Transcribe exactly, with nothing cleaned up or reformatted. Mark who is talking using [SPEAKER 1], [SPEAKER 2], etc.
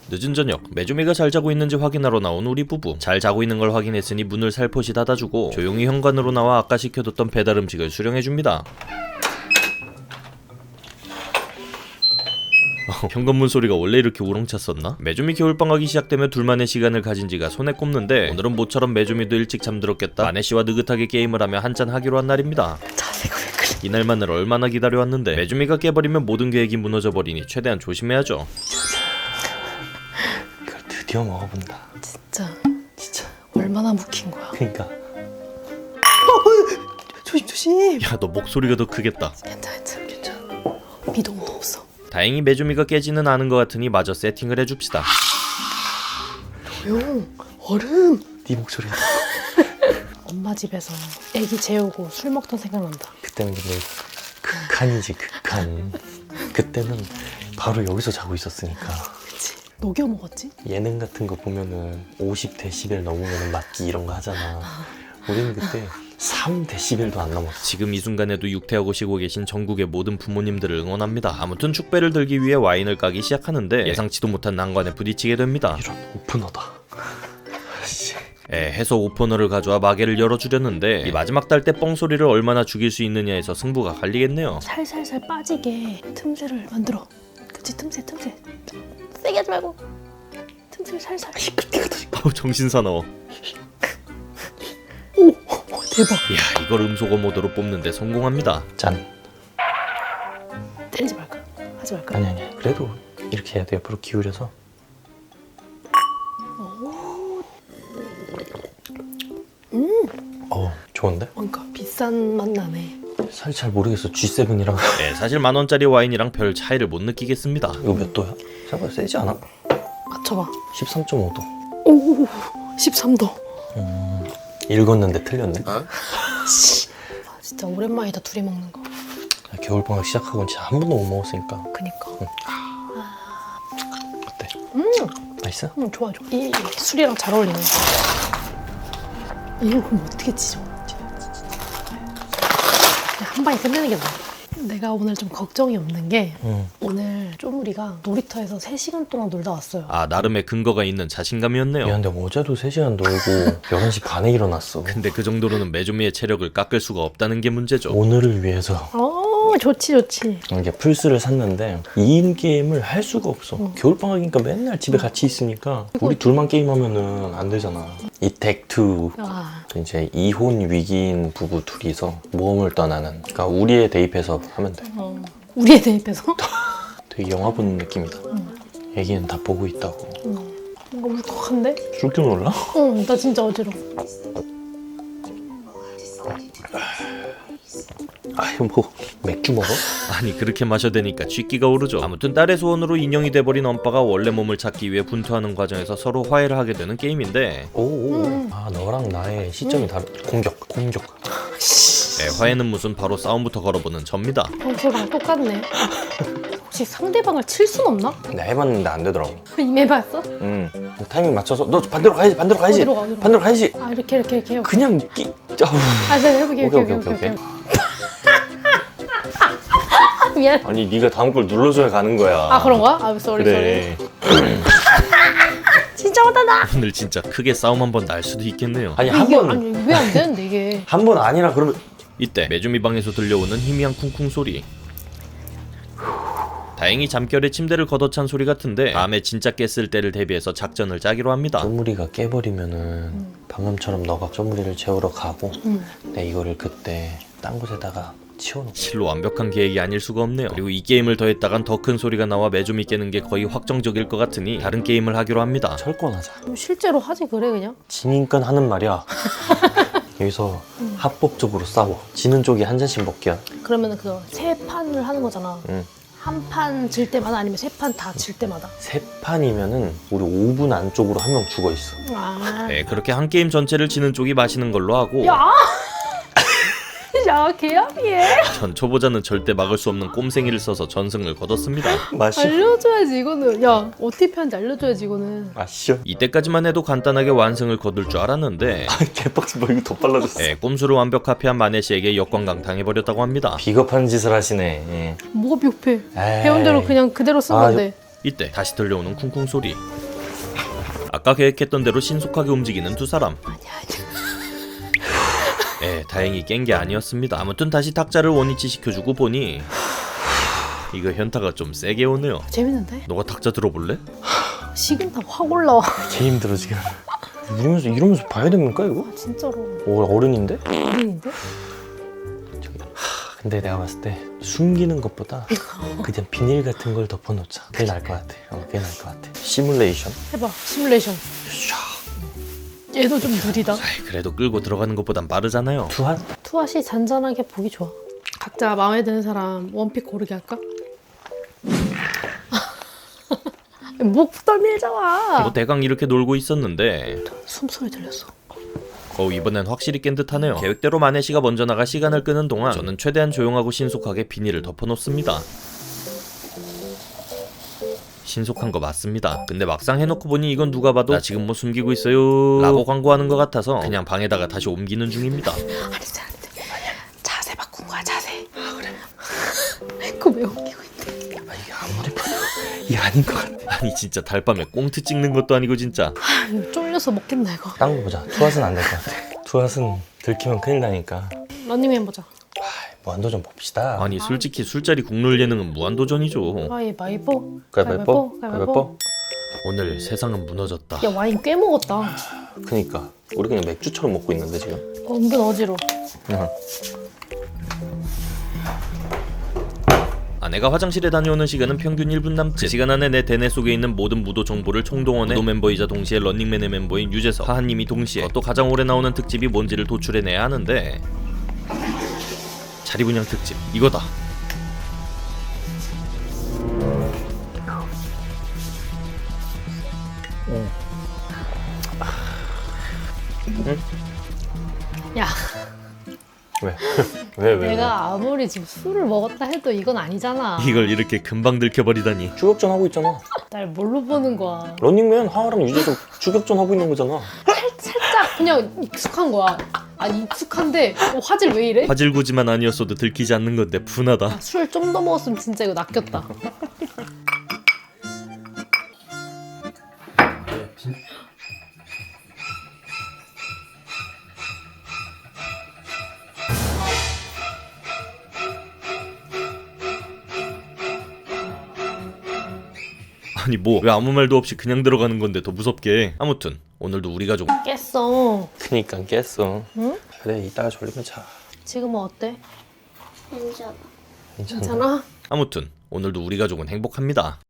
[SPEAKER 1] 늦은 저녁, 메조미가 잘 자고 있는지 확인하러 나온 우리 부부. 잘 자고 있는 걸 확인했으니 문을 살포시 닫아주고 조용히 현관으로 나와 아까 시켜뒀던 배달 음식을 수령해줍니다. 현관문 소리가 원래 이렇게 우렁찼었나? 메조미 겨울방학이 시작되면 둘만의 시간을 가진 지가 손에 꼽는데 오늘은 모처럼 메조미도 일찍 잠들었겠다. 마네씨와 느긋하게 게임을 하며 한잔 하기로 한 날입니다.
[SPEAKER 2] 자세가 왜 그래?
[SPEAKER 1] 이날만을 얼마나 기다려왔는데 메조미가 깨버리면 모든 계획이 무너져버리니 최대한 조심해야죠.
[SPEAKER 3] 이걸 드디어 먹어본다.
[SPEAKER 2] 진짜
[SPEAKER 3] 진짜.
[SPEAKER 2] 얼마나 묵힌 거야?
[SPEAKER 3] 그니까. 조심 조심.
[SPEAKER 1] 야, 너 목소리가 더 크겠다.
[SPEAKER 2] 괜찮아 괜찮아 괜찮아. 미동도 없어.
[SPEAKER 1] 다행히 메조미가 깨지는 않은 것 같으니 마저 세팅을 해줍시다.
[SPEAKER 2] 조용. 얼음.
[SPEAKER 3] 네 목소리야.
[SPEAKER 2] 엄마 집에서 애기 재우고 술 먹던 생각난다.
[SPEAKER 3] 그때는 근데 극한이지 극한. 그때는 바로 여기서 자고 있었으니까.
[SPEAKER 2] 그치. 녹여 먹었지?
[SPEAKER 3] 예능 같은 거 보면은 오십 데시벨 넘으면 맞기 이런 거 하잖아. 우리는 그때 삼 데시벨도 안 넘었어.
[SPEAKER 1] 지금 이 순간에도 육퇴하고 쉬고 계신 전국의 모든 부모님들을 응원합니다. 아무튼 축배를 들기 위해 와인을 까기 시작하는데 예상치도 못한 난관에 부딪히게 됩니다.
[SPEAKER 3] 이런 오프너다. 씨.
[SPEAKER 1] 에, 해서 오퍼너를 가져와 마개를 열어주려는데 이 마지막 달 때 뻥소리를 얼마나 죽일 수 있느냐에서 승부가 갈리겠네요.
[SPEAKER 2] 살살살 빠지게 틈새를 만들어. 그치 틈새 틈새. 세게 하지 말고 틈새를 살살.
[SPEAKER 1] 아우 정신 사나워.
[SPEAKER 2] 오! 대박.
[SPEAKER 1] 이야, 이걸 음소거 모드로 뽑는데 성공합니다.
[SPEAKER 3] 짠.
[SPEAKER 2] 때리지 말까? 하지 말까?
[SPEAKER 3] 아니 아니. 그래도 이렇게 해야 돼. 옆으로 기울여서. 어 좋은데?
[SPEAKER 2] 뭔가 비싼 맛 나네.
[SPEAKER 3] 사실 잘 모르겠어. 지 세븐이랑
[SPEAKER 1] 네, 사실 만원짜리 와인이랑 별 차이를 못 느끼겠습니다.
[SPEAKER 3] 이거 몇 도야? 생각보다 세지 않아?
[SPEAKER 2] 맞춰봐.
[SPEAKER 3] 십삼 점 오 도.
[SPEAKER 2] 오! 십삼 도.
[SPEAKER 3] 음, 읽었는데 틀렸네.
[SPEAKER 2] 아, 진짜 오랜만이다 둘이 먹는 거.
[SPEAKER 3] 겨울방학 시작하고는 진짜 한 번도 못 먹었으니까.
[SPEAKER 2] 그니까.
[SPEAKER 3] 어때?
[SPEAKER 2] 음!
[SPEAKER 3] 맛있어?
[SPEAKER 2] 음 좋아 좋아. 이, 이 술이랑 잘 어울리네. 이거 그럼 어떻게 찢어? 그냥 한 방에 끝내는 게 나아. 내가 오늘 좀 걱정이 없는 게
[SPEAKER 3] 응.
[SPEAKER 2] 오늘 쪼무리가 놀이터에서 세 시간 동안 놀다 왔어요.
[SPEAKER 1] 아, 나름의 근거가 있는 자신감이었네요.
[SPEAKER 3] 미안한데 어제도 세 시간 놀고 열한 시 반에 일어났어.
[SPEAKER 1] 근데 그 정도로는 메조미의 체력을 깎을 수가 없다는 게 문제죠.
[SPEAKER 3] 오늘을 위해서
[SPEAKER 2] 어 좋지 좋지.
[SPEAKER 3] 이게 플스를 샀는데 이 인 게임을 할 수가 없어.
[SPEAKER 2] 응.
[SPEAKER 3] 겨울방학이니까 맨날 집에 같이 있으니까 우리 둘만 게임하면은 안 되잖아. 이 덱투
[SPEAKER 2] 아
[SPEAKER 3] 이제 이혼 위기인 부부 둘이서 모험을 떠나는. 그러니까 우리에 대입해서 하면 돼.
[SPEAKER 2] 어. 우리에 대입해서?
[SPEAKER 3] 되게 영화 보는 느낌이다.
[SPEAKER 2] 응.
[SPEAKER 3] 애기는 다 보고 있다고.
[SPEAKER 2] 응. 뭔가 울컥한데?
[SPEAKER 3] 줄 줄 몰라?
[SPEAKER 2] 응, 나 진짜 어지러워.
[SPEAKER 3] 아유 뭐 맥주 먹어?
[SPEAKER 1] 아니, 그렇게 마셔대니까 쥐기가 오르죠. 아무튼 딸의 소원으로 인형이 돼버린 엄빠가 원래 몸을 찾기 위해 분투하는 과정에서 서로 화해를 하게 되는 게임인데
[SPEAKER 3] 오오.
[SPEAKER 2] 음.
[SPEAKER 3] 아 너랑 나의 시점이 다르. 공격 공격.
[SPEAKER 1] 네, 화해는 무슨 바로 싸움부터 걸어보는 접니다.
[SPEAKER 2] 평소랑 똑같네. 혹시 상대방을 칠 순 없나?
[SPEAKER 3] 내가 해봤는데 안 되더라고.
[SPEAKER 2] 이미 해봤어?
[SPEAKER 3] 응. 타이밍 맞춰서 너 반대로 가야지 반대로 가야지
[SPEAKER 2] 어디로 가, 어디로 가?
[SPEAKER 3] 반대로 가야지.
[SPEAKER 2] 아 이렇게 이렇게 이렇게.
[SPEAKER 3] 그냥 끼. 아우.
[SPEAKER 2] 아 제가 해볼게.
[SPEAKER 3] 오케이,
[SPEAKER 2] 오케이
[SPEAKER 3] 오케이,
[SPEAKER 2] 오케이
[SPEAKER 3] 오케이,
[SPEAKER 2] 오케이. 미안.
[SPEAKER 3] 아니 네가 다음 걸 눌러줘야 가는 거야.
[SPEAKER 2] 아 그런가? 아 쏘리
[SPEAKER 3] 그래.
[SPEAKER 2] 쏘리. 진짜 못한다.
[SPEAKER 1] 오늘 진짜 크게 싸움 한번 날 수도 있겠네요.
[SPEAKER 3] 아니
[SPEAKER 2] 이게
[SPEAKER 3] 한 번.
[SPEAKER 2] 아니 왜 안 되는데 이게?
[SPEAKER 3] 한 번 아니라 그러면
[SPEAKER 1] 이때 메조미 방에서 들려오는 희미한 쿵쿵 소리. 다행히 잠결에 침대를 걷어찬 소리 같은데 다음에 진짜 깼을 때를 대비해서 작전을 짜기로 합니다.
[SPEAKER 3] 쪼무리가 깨버리면은
[SPEAKER 2] 음.
[SPEAKER 3] 방금처럼 너가 쪼무리를 재우러 가고
[SPEAKER 2] 음.
[SPEAKER 3] 내 이거를 그때 딴 곳에다가 치워놓고.
[SPEAKER 1] 실로 완벽한 계획이 아닐 수가 없네요. 그리고 이 게임을 더 했다간 더 큰 소리가 나와 메조미 깨는 게 거의 확정적일 것 같으니 다른 게임을 하기로 합니다.
[SPEAKER 3] 철권하자.
[SPEAKER 2] 뭐 실제로 하지 그래 그냥?
[SPEAKER 3] 지니까 하는 말이야. 여기서
[SPEAKER 2] 음.
[SPEAKER 3] 합법적으로 싸워. 지는 쪽이 한 잔씩 먹기야.
[SPEAKER 2] 그러면은 그거 세 판을 하는 거잖아.
[SPEAKER 3] 응.
[SPEAKER 2] 한 판 질 때마다 아니면 세 판 다 질 때마다?
[SPEAKER 3] 세 판이면은 우리 오 분 안쪽으로 한 명 죽어 있어.
[SPEAKER 2] 아.
[SPEAKER 1] 네, 그렇게 한 게임 전체를 지는 쪽이 마시는 걸로 하고
[SPEAKER 2] 야! 야 개합이해.
[SPEAKER 1] 전 초보자는 절대 막을 수 없는 꼼생이를 써서 전승을 거뒀습니다.
[SPEAKER 3] 마셔.
[SPEAKER 2] 알려줘야지 이거는. 야 어떻게 하는지 알려줘야지 이거는.
[SPEAKER 3] 마셔.
[SPEAKER 1] 이때까지만 해도 간단하게 완승을 거둘 줄 알았는데
[SPEAKER 3] 개빡치 뭐 이거 더 빨라졌어.
[SPEAKER 1] 네, 꼼수를 완벽 카피한 마네씨에게 역광강 당해버렸다고 합니다.
[SPEAKER 3] 비겁한 짓을 하시네. 예.
[SPEAKER 2] 뭐가 비겁해?
[SPEAKER 3] 에이.
[SPEAKER 2] 배운 대로 그냥 그대로 쓴
[SPEAKER 3] 아,
[SPEAKER 2] 건데.
[SPEAKER 1] 이때 다시 들려오는 쿵쿵 소리. 아까 계획했던 대로 신속하게 움직이는 두 사람.
[SPEAKER 2] 아니야 아니야.
[SPEAKER 1] 에 다행히 깬 게 아니었습니다. 아무튼 다시 탁자를 원위치 시켜주고 보니 이거 현타가 좀 세게 오네요.
[SPEAKER 2] 재밌는데?
[SPEAKER 1] 너가 탁자 들어볼래?
[SPEAKER 2] 식은땀 확 올라와.
[SPEAKER 3] 개 힘들어 지금. 이러면서 이러면서 봐야 됩니까 이거?
[SPEAKER 2] 아, 진짜로.
[SPEAKER 3] 오, 어른인데?
[SPEAKER 2] 어린인데?
[SPEAKER 3] 저기, 하, 근데 내가 봤을 때 숨기는 것보다 그냥 비닐 같은 걸 덮어놓자. 그게 나을 것 같아. 어, 그게 나을 것 같아. 시뮬레이션.
[SPEAKER 2] 해봐 시뮬레이션. 얘도 좀 느리다.
[SPEAKER 1] 아이, 그래도 끌고 들어가는 것보단 빠르잖아요.
[SPEAKER 3] 투한?
[SPEAKER 2] 투핫이 잔잔하게 보기 좋아. 각자 마음에 드는 사람 원픽 고르게 할까? 목 떨밀잖아.
[SPEAKER 1] 뭐 대강 이렇게 놀고 있었는데
[SPEAKER 2] 숨소리 들렸어.
[SPEAKER 1] 어 이번엔 확실히 깬 듯하네요. 계획대로 마네시가 먼저 나가 시간을 끄는 동안 저는 최대한 조용하고 신속하게 비닐을 덮어놓습니다. 신속한 거 맞습니다. 근데 막상 해놓고 보니 이건 누가 봐도 나 지금 뭐 숨기고 있어요 라고 광고하는 것 같아서 그냥 방에다가 다시 옮기는 중입니다.
[SPEAKER 2] 아니지 아니지. 자세 바꾼 거야 자세. 아 그래? 그거 왜 옮기고 있대?
[SPEAKER 3] 아, 이게 아무리 봐도 이게 아닌 것 같아.
[SPEAKER 1] 아니 진짜 달밤에 꽁트 찍는 것도 아니고 진짜.
[SPEAKER 2] 아 이거 쫄려서 먹겠나 이거.
[SPEAKER 3] 딴 거 보자. 투핫은 안 될 것 같아. 투핫은 들키면 큰일 나니까.
[SPEAKER 2] 런닝맨 보자.
[SPEAKER 3] 무한도전 봅시다.
[SPEAKER 1] 아니 솔직히 술자리 국룰 예능은 무한도전이죠.
[SPEAKER 2] 가위바위보.
[SPEAKER 3] 가위바위보? 가위바위보?
[SPEAKER 1] 오늘 세상은 무너졌다.
[SPEAKER 2] 야 와인 꽤 먹었다.
[SPEAKER 3] 그니까 우리 그냥 맥주처럼 먹고 있는데 지금.
[SPEAKER 2] 어, 은근 어지러워.
[SPEAKER 3] 응.
[SPEAKER 1] 아내가 화장실에 다녀오는 시간은 평균 일 분 남짓. 그 시간 안에 내 대뇌 속에 있는 모든 무도 정보를 총동원해 무도 멤버이자 동시에 런닝맨의 멤버인 유재석, 하하님이 동시에 또 가장 오래 나오는 특집이 뭔지를 도출해내야 하는데 자리분양 특집 이거다.
[SPEAKER 2] 야
[SPEAKER 3] 왜? 왜 왜?
[SPEAKER 2] 내가 아무리 지금 술을 먹었다 해도 이건 아니잖아.
[SPEAKER 1] 이걸 이렇게 금방 들켜버리다니.
[SPEAKER 3] 추격전 하고 있잖아.
[SPEAKER 2] 날 뭘로 보는 거야.
[SPEAKER 3] 런닝맨 하하랑 유재석 추격전 하고 있는 거잖아.
[SPEAKER 2] 살짝 그냥 익숙한 거야. 아니 익숙한데 어, 화질 왜 이래?
[SPEAKER 1] 화질구지만 아니었어도 들키지 않는 건데 분하다.
[SPEAKER 2] 술 좀 더 먹었으면 진짜 이거 낚였다.
[SPEAKER 1] 아니 뭐 왜 아무 말도 없이 그냥 들어가는 건데 더 무섭게. 아무튼 오늘도 우리 가족
[SPEAKER 2] 깼어.
[SPEAKER 3] 그니까 깼어.
[SPEAKER 2] 응?
[SPEAKER 3] 그래 이따가 졸리면 자.
[SPEAKER 2] 지금은 어때?
[SPEAKER 4] 괜찮아.
[SPEAKER 3] 괜찮아.
[SPEAKER 2] 괜찮아?
[SPEAKER 1] 아무튼 오늘도 우리 가족은 행복합니다.